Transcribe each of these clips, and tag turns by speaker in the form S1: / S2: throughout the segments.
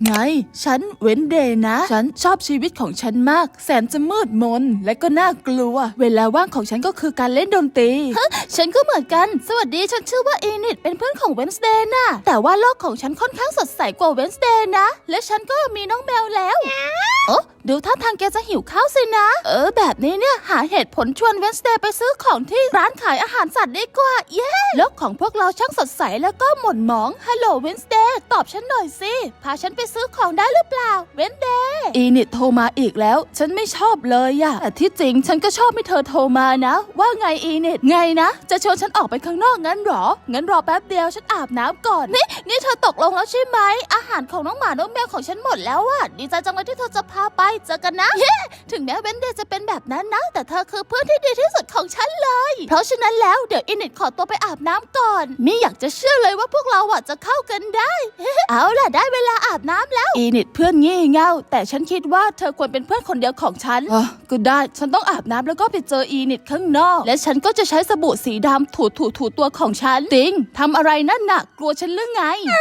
S1: ไงฉันเว้นเดย์นะฉันชอบชีวิตของฉันมากแสนจะมืดมนและก็น่ากลัวเวลาว่างของฉันก็คือการเล่นดนตรีฉันก็เหมือนกันสวัสดีฉันชื่อว่าเอนิดเป็นเพื่อนของเวนส์เดย์นะแต่ว่าโลกของฉันค่อนข้างสดใสกว่าเวนส์เดย์นะและฉันก็มีน้องแมวแล้วโอ้ดูท่าทางแกจะหิวข้าวสินะแบบนี้เนี่ยหาเหตุผลชวนเวนส์เดย์ไปซื้อของที่ร้านขายอาหารสัตว์ดีกว่าเย้โลกของพวกเราช่างสดใสแล้วก็หม่นหมองฮัลโหลเวนส์เดย์ตอบฉันหน่อยสิพาฉันไปซื้อของได้หรือเปล่าเวนส์เดย์อีนิดโทรมาอีกแล้วฉันไม่ชอบเลยอะแต่ที่จริงฉันก็ชอบให้เธอโทรมานะว่าไงอีนิดไงนะจะชวนฉันออกไปข้างนอกงั้นหรองั้นรอแป๊บเดียวฉันอาบน้ำก่อนนี่เธอตกลงแล้วใช่ไหมอาหารของน้องหมาน้องแมวของฉันหมดแล้วอะดีใจจังเลยที่เธอจะพาไปเจอกันนะถึงแม้เวนเดย์จะเป็นแบบนั้นนะแต่เธอคือเพื่อนที่ดีที่สุดของฉันเลยเพราะฉะนั้นแล้วเดี๋ยวอีนิดขอตัวไปอาบน้ำก่อนมิอยากจะเชื่อเลยว่าพวกเราจะเข้ากันได้ เอาล่ะได้เวลาอาบน้ำแล้วอีนิดเพื่อนงี่เง่าแต่ฉันคิดว่าเธอควรเป็นเพื่อนคนเดียวของฉันก็ได้ฉันต้องอาบน้ำแล้วก็ไปเจออีนิดข้างนอกและฉันก็จะใช้สบู่สีดำถูตัวของฉันติงทำอะไรนั่นน่ะกลัวฉันหรือไง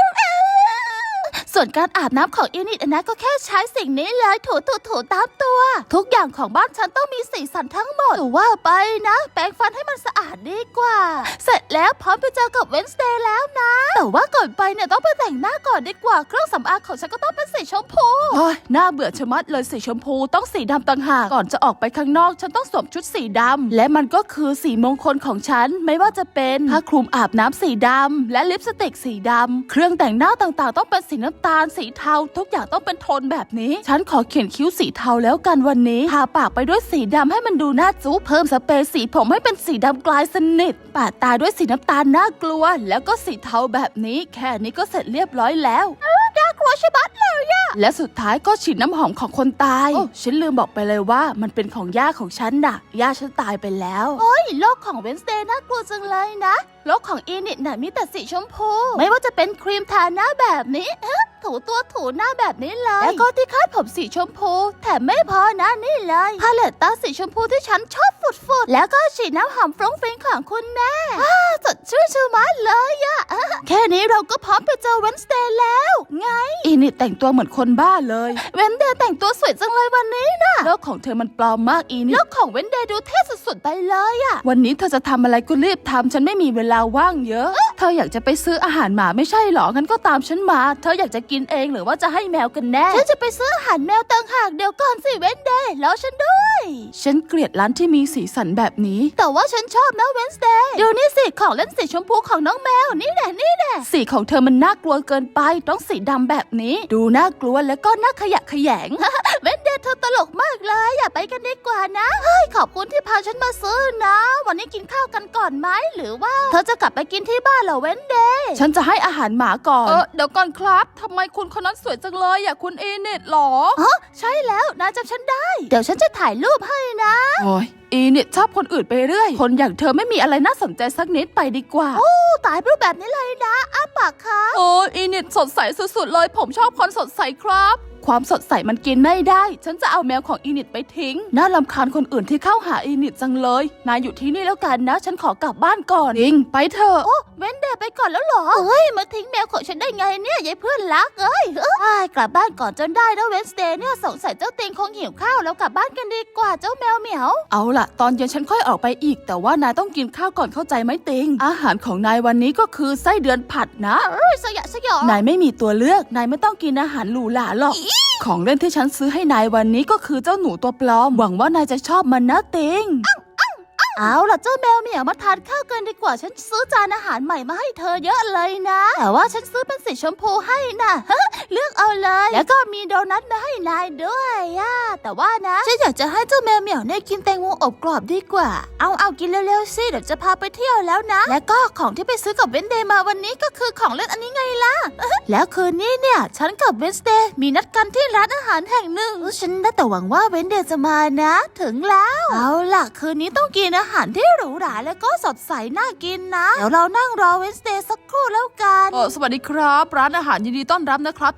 S1: ส่วนการอาบน้ำของอีนิดนะก็แค่ใช้สิ่งนี้เลยถูตามตัวทุกอย่างของบ้านฉันต้องมีสีสันทั้งหมดแต่ว่าไปนะแปรงฟันให้มันสะอาดดีกว่าเสร็จแล้วพร้อมไปเจอกับเวนส์เดย์แล้วนะแต่ว่าก่อนไปเนี่ยต้องไปแต่งหน้าก่อนดีกว่าเครื่องสำอางของฉันก็ต้องเป็นสีชมพูน่าเบื่อชะมัดเลยสีชมพูต้องสีดำต่างหากก่อนจะออกไปข้างนอกฉันต้องสวมชุดสีดำและมันก็คือสีมงคลของฉันไม่ว่าจะเป็นผ้าคลุมอาบน้ำสีดำและลิปสติกสีดำเครื่องแต่งหน้าต่างๆต้องเป็นสีน้ำตาลสีเทาทุกอย่างต้องเป็นโทนแบบนี้ฉันขอเขียนคิ้วสีเทาแล้วกันวันนี้ทาปากไปด้วยสีดำให้มันดูน่าจู้เพิ่มสเปรย์สีผมให้เป็นสีดำกลายสนิทปาดตาด้วยสีน้ำตาลน่ากลัวแล้วก็สีเทาแบบนี้แค่นี้ก็เสร็จเรียบร้อยแล้วน่ากลัวใช่ไหมเลยอะและสุดท้ายก็ฉีดน้ำหอมของคนตายฉันลืมบอกไปเลยว่ามันเป็นของย่าของฉันน่ะย่าฉันตายไปแล้วโอ้ยโลกของเวนส์เดย์น่ากลัวจังเลยนะโลกของอีนิดน่ะมีแต่สีชมพูไม่ว่าจะเป็นครีมทาหน้าแบบนี้ถูตัวถูหน้าแบบนี้เลยแล้วก็ที่คาดผมสีชมพูแถมไม่พอนะนี่เลยพาเลตตาสีชมพูที่ฉันชอบฝุดแล้วก็ฉีดน้ำหอมฟรุ้งฟริ้งของคุณแม่สดชื่นชื่นมากเลยอะแค่นี้เราก็พร้อมไปเจอเวนส์เดย์แล้วไงอีนิดแต่งตัวเหมือนคนบ้าเลยเวนส์เดย์แต่งตัวสวยจังเลยวันนี้นะโลกของเธอมันปลอมมากอีนิดโลกของเวนส์เดย์ดูเท่สุดๆไปเลยอะวันนี้เธอจะทำอะไรก็รีบทำฉันไม่มีเวลาว่างเยอะเธออยากจะไปซื้ออาหารหมาไม่ใช่หรองั้นก็ตามฉันมาเธออยากจะกินเองหรือว่าจะให้แมวกันแน่ฉันจะไปซื้ออาหารแมวต่างหากเดี๋ยวก่อนสิเวนส์เดย์แล้วฉันด้วยฉันเกลียดร้านที่มีสีสันแบบนี้แต่ว่าฉันชอบนะเวนส์เดย์ดูนี่สิของเล่นสีชมพูของน้องแมวนี่แหละสีของเธอมันน่ากลัวเกินไปต้องสีดำแบบนี้ดูน่ากลัวแล้วก็น่าขยะแขยง เวนส์เดย์เธอตลกมากเลยอย่าไปกันดีกว่านะเฮ้ยขอบคุณที่พาฉันมาซื้อนะวันนี้กินข้าวกันก่อนไหมหรือว่าเธอจะกลับไปกินที่บ้านเหรอเวนส์เดย์ฉันจะให้อาหารหมาก่อนเดี๋ยวก่อนครับทำไมคุณคนนั้นสวยจังเลยคุณอีนิดหรอใช่แล้วนายจำฉันได้เดี๋ยวฉันจะถ่ายรูปให้นะโอ้ยอีนิดชอบคนอื่นไปเรื่อยคนอย่างเธอไม่มีอะไรน่าสนใจสักนิดไปดีกว่าโอ้ตายรูปแบบนี้เลยนะอ้าปากค่ะโอ้อีนิดสดใสสุดๆเลยผมชอบคนสดใสครับความสดใสมันกินไม่ได้ฉันจะเอาแมวของอีนิดไปทิ้งน่ารำคาญคนอื่นที่เข้าหาอีนิดจังเลยนายอยู่ที่นี่แล้วกันนะฉันขอกลับบ้านก่อนอิงไปเถอะโอ้เวนเดย์ไปก่อนแล้วเหรอเอ้ยมาทิ้งแมวของฉันได้ไงเนี่ยยายเพื่อนรักเอ้ยกลับบ้านก่อนจนได้นะเวนเดย์เนี่ยสงสัยเจ้าติงคงหิวข้าวแล้วกลับบ้านกันดีกว่าเจ้าแมวเหมียวเอาล่ะตอนเย็นฉันค่อยออกไปอีกแต่ว่านายต้องกินข้าวก่อนเข้าใจไหมติงอาหารของนายวันนี้ก็คือไส้เดือนผัดนะสยองนายไม่มีตัวเลือกนายไม่ต้องกินอาหารหรูหราหรอกของเล่นที่ฉันซื้อให้นายวันนี้ก็คือเจ้าหนูตัวปลอมหวังว่านายจะชอบมันนะติงเอาล่ะเจ้าแมวเหมียวมาทานข้าวกันดีกว่าฉันซื้อจานอาหารใหม่มาให้เธอเยอะเลยนะแต่ว่าฉันซื้อเป็นสีชมพูให้นะเลือกเอาเลยแล้วก็มีโดนัทมาให้นายด้วยแต่ว่านะฉันอยากจะให้เจ้าแมวเหมียวเนี่ยกินแตงโมอบกรอบดีกว่าเอากินเร็วๆสิเดี๋ยวจะพาไปเที่ยวแล้วนะแล้วก็ของที่ไปซื้อกับเวนเดย์มาวันนี้ก็คือของเล่นอันนี้ไงล่ะแล้วคืนนี้เนี่ยฉันกับเวนเดย์มีนัดกันที่ร้านอาหารแห่งหนึ่งฉันได้แต่หวังว่าเวนเดย์จะมานะถึงแล้วเอาล่ะคืนนี้ต้องกินอาหารที่หรูหราแล้วก็สดใสน่ากินนะเดี๋ยวเรานั่งรอเวนส์เดย์สักครู่แล้วกัน
S2: สวัสดีครับร้านอาหารยินดีต้อนรับนะครับจะสั่งอา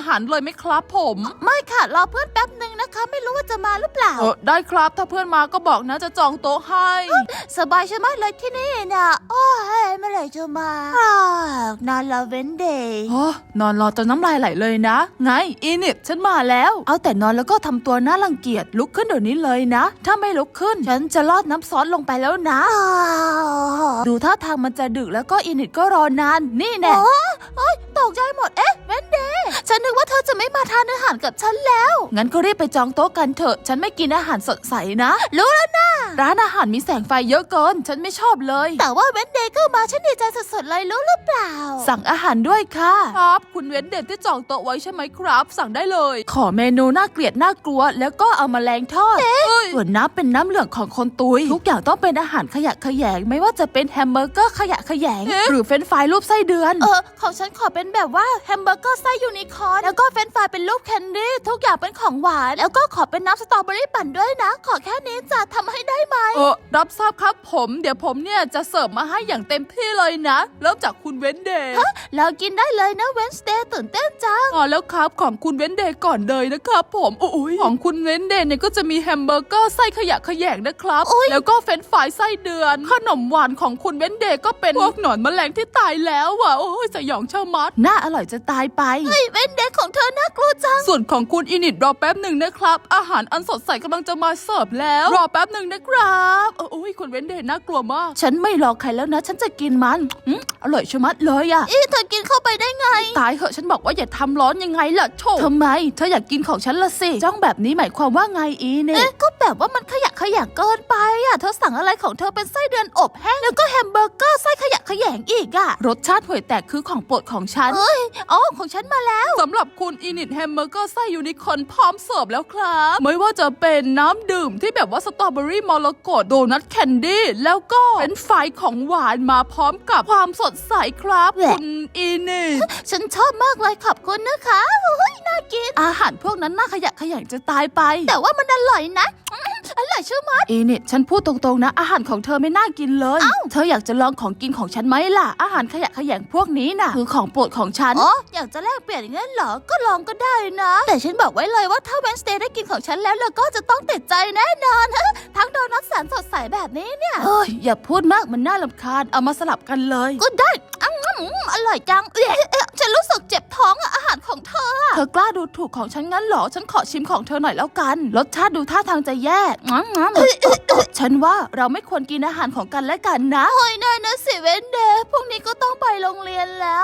S2: อาหารเลยไหมครับผม
S1: ไม่ค่ะรอเพื่อนแป๊บหนึ่งนะคะไม่รู้ว่าจะมาหรือเปล่า
S2: ได้ครับถ้าเพื่อนมาก็บอกนะจะจองโต๊ะให้
S1: สบายใช่ไหมเลยที่นี่นะโอ้ยเมื่อไหร่จะมานอนรอเว้นเดย์
S2: นอนรอจนน้ำลายไหลเลยนะไงอีนิดฉันมาแล้วเอาแต่นอนแล้วก็ทำตัวน่ารังเกียจลุกขึ้นเดี๋ยวนี้เลยนะถ้าไม่ลุกขึ้นฉันจะลอดน้ำซอสลงไปแล้วนะดูท่าทางมันจะดึกแล้วก็อีนิดก็รอนานนี่แน่
S1: ตกใจหมดเอ๊ะเว้นเดย์ฉันนึกว่าเธอจะไม่มาทานอาหารกับฉันแล้ว
S2: งั้นก็รีบไปจองโต๊ะกันเถอะฉันไม่กินอาหารสดใสนะ
S1: รู้แล้วนะ
S2: ร้านอาหารมีแสงไฟเยอะเกินฉันไม่ชอบเลย
S1: แต่ว่าเว้นเดย์ก็มาฉันดีใจสุดๆเลยรู้หรือเปล่า
S2: สั่งอาหารด้วยค่ะครับคุณเว้นเดย์ที่จองโต๊ะไว้ใช่ไหมครับสั่งได้เลยขอเมนูน่าเกลียดน่ากลัวแล้วก็เอาแมลงทอดส่วนน้ำเป็นน้ำเหลืองของคนตุยทุกอย่างต้องเป็นอาหารขยะแขยงไม่ว่าจะเป็นแฮมเบอร์เกอร์ขยะแขยงหรือเฟรนช์ฟรายรูปไส้เดือน
S1: ของฉันขอเป็นแบบว่าแฮมเบอร์เกอร์ไส้ยูนิคอร์นแล้วก็เฟรนช์ฟรายเป็นรูปแคนดี้ทุกอย่างเป็นของหวานแล้วก็ขอเป็นน้ำสตรอเบอรี่ปั่นด้วยนะขอแค่นี้จะทำให้ได้ไหม
S2: รับทราบครับผมเดี๋ยวผมเนี่ยจะเสิร์ฟมาให้อย่างเต็มที่เลยนะเริ่มจากคุณเว้นเดย์
S1: เรากินได้เลยนะเวนสเดย์ตื่นเต้นจัง
S2: แล้วครับของคุณเว้นเดย์ก่อนเลยนะครับผมของคุณเว้นเดย์เนี่ยก็จะมีแฮมเบอร์เกอร์ไส้ขยะแขยงนะครับแล้วก็เฟรนช์ฟรายไส้เดือนขนมหวานของคุณเว้นเดย์ก็เป็นพวกหนอนแมลงที่ตายแล้วอ่ะโอ้ยสยองเช่ามัด
S1: น่าอร่อยจะตายไปเฮ้ยเว้นเดย์ของเธอน่ากลัวจัง
S2: ส่วนของคุณอินิดรอแป๊บหนึ่งนะครับอาหารอันสดใสกำลังจะมาเสิร์ฟแล้วรอแป๊บหนึ่งนะครับโอ้ยคุณเว้นเดย์น่ากลัวมาก
S1: ฉันไม่รอใครแล้วนะฉันจะกินมัน
S2: อร่อยชะมัดเลยอ่ะ
S1: เธอกินเข้าไปได้ไง
S2: ตายเหอะฉันบอกว่าอย่าทำร้อนยังไงล่ะโถ
S1: ทำไมเธออยากกินของฉันละสิ
S2: จ้องแบบนี้หมายความว่าไงอีเนี่ย
S1: ก็แบบว่ามันขยะแขยงเกินไปอ่ะเธอสั่งอะไรของเธอเป็นไส้เดือนอบแห้งแล้วก็แฮมเบอร์เกอร์ไส้ขยะแขยงอีกอ่ะ
S2: รสชาติห่วยแตกคือของโปรดของฉัน
S1: ของฉันมาแล้ว
S2: สำหรับคุณอินิดแฮมเบอร์เกอร์ไส้ยูนิคอร์นพร้อมเสิร์ฟแล้วครับไม่ว่าจะเป็นน้ำดื่มที่แบบว่าสตรอเบอรี่มรกตโดนัทแคนดี้แล้วก็เป็นไฟของหวานมาพร้อมกับความสดใสครับคุณอินิด
S1: ฉันชอบมากเลยขอบคุณนะคะน่ากิน
S2: อาหารพวกนั้นน่าขยะแขยงจะตายไป
S1: แต่ว่ามันอร่อยนะอร่อยชื่อมัด
S2: อินิดฉันพูดตรงๆนะอาหารของเธอไม่น่ากินเลยเธออยากจะลองของกินของฉันไหมล่ะอาหารขยะแขยงพวกนี้น่ะคือของโปรดของฉัน
S1: อยากจะแลกเปลี่ยนอย่างนั้นเหรอก็ลองก็ได้นะแต่ฉันบอกไว้เลยว่าถ้าเวนสเดย์ได้กินของฉันแล้วก็จะต้องติดใจแน่นอนทั้งโดนัทแสนสดใสแบบนี้เนี่ย
S2: อย่าพูดมากมันน่ารำคาญเอามาสลับกันเลย
S1: ก็ได้อร่อยจังฉันรู้สึกเจ็บท้องอาหารของเธ
S2: อกล้าดูถูกของฉันงั้นเหรอฉันขอชิมของเธอหน่อยแล้วกันรสชาติดูท่าทางจะแย่ฉันว่าเราไม่ควรกินอาหารของกันและกันนะ
S1: เฮ้ยน่านะสิเวนเดย์พรุ่งนี้ก็ต้องไปโรงเรียนแล้ว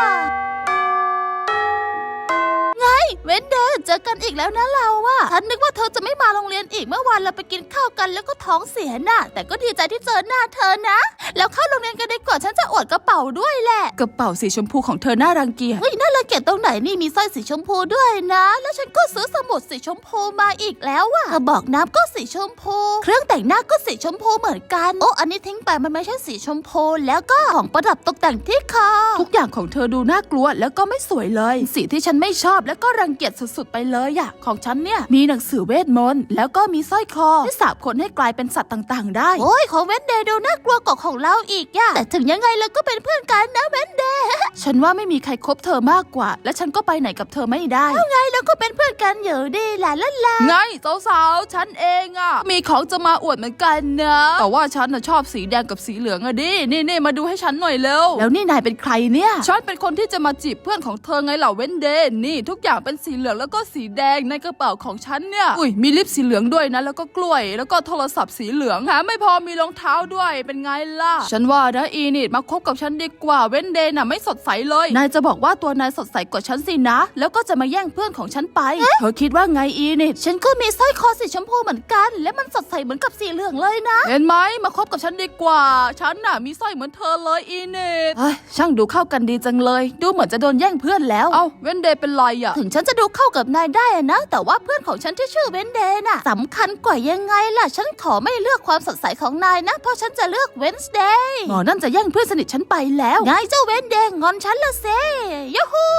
S1: ไงเวนเดย์เจอกันอีกแล้วนะเราอะฉันนึกว่าเธอจะไม่มาโรงเรียนอีกเมื่อวานเราไปกินข้าวกันแล้วก็ท้องเสียน่ะแต่ก็ดีใจที่เจอหน้าเธอนะแล้วเข้าโรงเรียนกันดีกว่าฉันจะอวดกระเป๋าด้วยแหละ
S2: กระเป๋าสีชมพูของเธอน่ารังเกียจ
S1: เฮ้ยน่ารังเกียจตรงไหนนี่มีสร้อยสีชมพูด้วยนะแล้วฉันก็ซื้อสมุดสีชมพูมาอีกแล้วอะกระบอกน้ำก็สีชมพูเครื่องแต่งหน้าก็สีชมพูเหมือนกันอันนี้ทิ้งไปมันไม่ใช่สีชมพูแล้วก็ของประดับตกแต่งที่คอ
S2: ทุกอย่างของเธอดูน่ากลัวแล้วก็ไม่สวยเลยสีที่ฉันไม่ชอบแล้วก็รังเกียจสุดๆไปเลยอะของฉันเนี่ยมีหนังสือเวทมนต์แล้วก็มีสร้อยคอที่สาบคนให้กลายเป็นสัตว์ต่างๆได้
S1: ของเวนเดย์ดูน่ากลัวกว่าของเราอีกย่ะแต่ถึงยังไงเราก็เป็นเพื่อนกันนะเวนเดย์
S2: ฉันว่าไม่มีใครคบเธอมากกว่าและฉันก็ไปไหนกับเธอไม่ได้
S1: ไงเราก็เป็นเพื่อนกันอยู่ดีแหละล่ะ
S2: ไงสาวๆฉันเองอะมีของจะมาอวดเหมือนกันนะแต่ว่าฉันน่ะชอบสีแดงกับสีเหลืองอะดินี่มาดูให้ฉันหน่อยเร็ว
S1: แล้วนี่นายเป็นใครเนี่ย
S2: ฉันเป็นคนที่จะมาจีบเพื่อนของเธอไงเหล่าเวนเดย์นี่ทุกอย่างเป็นสีเหลืองแล้วก็สีแดงในกระเป๋าของฉันเนี่ยมีลิปสีเหลืองด้วยนะแล้วก็กล้วยแล้วก็โทรศัพท์สีเหลืองแถมไม่พอมีรองเท้าด้วยเป็นไงล่ะฉันว่านะอีนิดมาคบกับฉันดีกว่าเวนเดย์น่ะไม่สดใสเลยนายจะบอกว่าตัวนายสดใสกว่าฉันสินะแล้วก็จะมาแย่งเพื่อนของฉันไปเธอคิดว่าไงอีนิด
S1: ฉันก็มีสร้อยคอสีชมพูเหมือนกันและมันสดใสเหมือนกับสีเหลืองเลยนะ
S2: เห็นไหมมาคบกับฉันดีกว่าฉันน่ะมีสร้อยเหมือนเธอเลยอีนิดช่างดูเข้ากันดีจังเลยดูเหมือนจะโดนแย่งเพื่อนแล้วเวนเดย์เป็นไรอะ
S1: ถึงฉันจะดูเข้ากับนายได้นะแต่ว่าเพื่อนของฉันที่ชื่อเวนเดย์น่ะสำคัญกว่ายังไงล่ะฉันขอไม่เลือกความสดใสของนายนะเพราะฉันจะเลือกเวนส์เดย์
S2: หมอนั่นจะแย่งเพื่อนสนิทฉันไปแล้ว
S1: ไงเจ้าเวนเดย์งอนฉันละเซยูฮู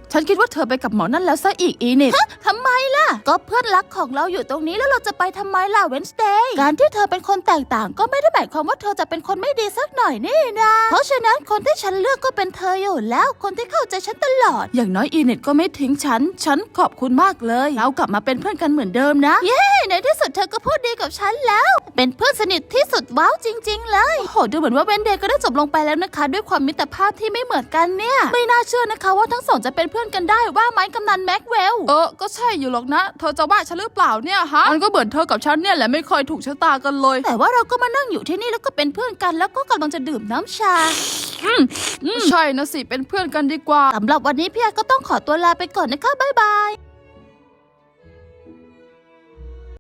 S2: ฉันคิดว่าเธอไปกับหมอนั่นแล้วซะอีกอีนิด
S1: ทำไมล่ะก็เพื่อนรักของเราอยู่ตรงนี้แล้วเราจะไปทำไมล่ะเวนสเดย์การที่เธอเป็นคนแตกต่างก็ไม่ได้หมายความว่าเธอจะเป็นคนไม่ดีสักหน่อยนี่นะเพราะฉะนั้นคนที่ฉันเลือกก็เป็นเธออยู่แล้วคนที่เข้าใจฉันตลอด
S2: อย่างน้อยอีนิดก็ไม่ทิ้งฉันขอบคุณมากเลยเรากลับมาเป็นเพื่อนกันเหมือนเดิมนะ
S1: ในที่สุดเธอก็พูดดีกับฉันแล้ว เป็นเพื่อนสนิทที่สุดว้าวจริง ๆ เลย
S2: โอ้โหดูเหมือนว่าเวนเดย์ก็ได้จบลงไปแล้วนะคะด้วยความมิตรภาพที่ไม่เหมือนกันเนี่ยไม่น่าเชื่อนะคะว่าทั้งสองจะเป็นเพื่อนกันได้ว่าไหมกำนันแม็กเวลก็ใช่อยู่หรอกนะเธอจะว่าฉันหรือเปล่าเนี่ยฮะมันก็เหมือนเธอกับฉันเนี่ยแหละไม่ค่อยถูกชะตากันเลย
S1: แต่ว่าเราก็มานั่งอยู่ที่นี่แล้วก็เป็นเพื่อนกันแล้วก็กำลังจะดื่มน้ำชา
S2: ใช่นะสิเป็นเพื่อนกันดีกว่า
S1: สำหรับวันนี้พี่แอก็ต้องขอตัวลาไปก่อนนะคะบ๊ายบาย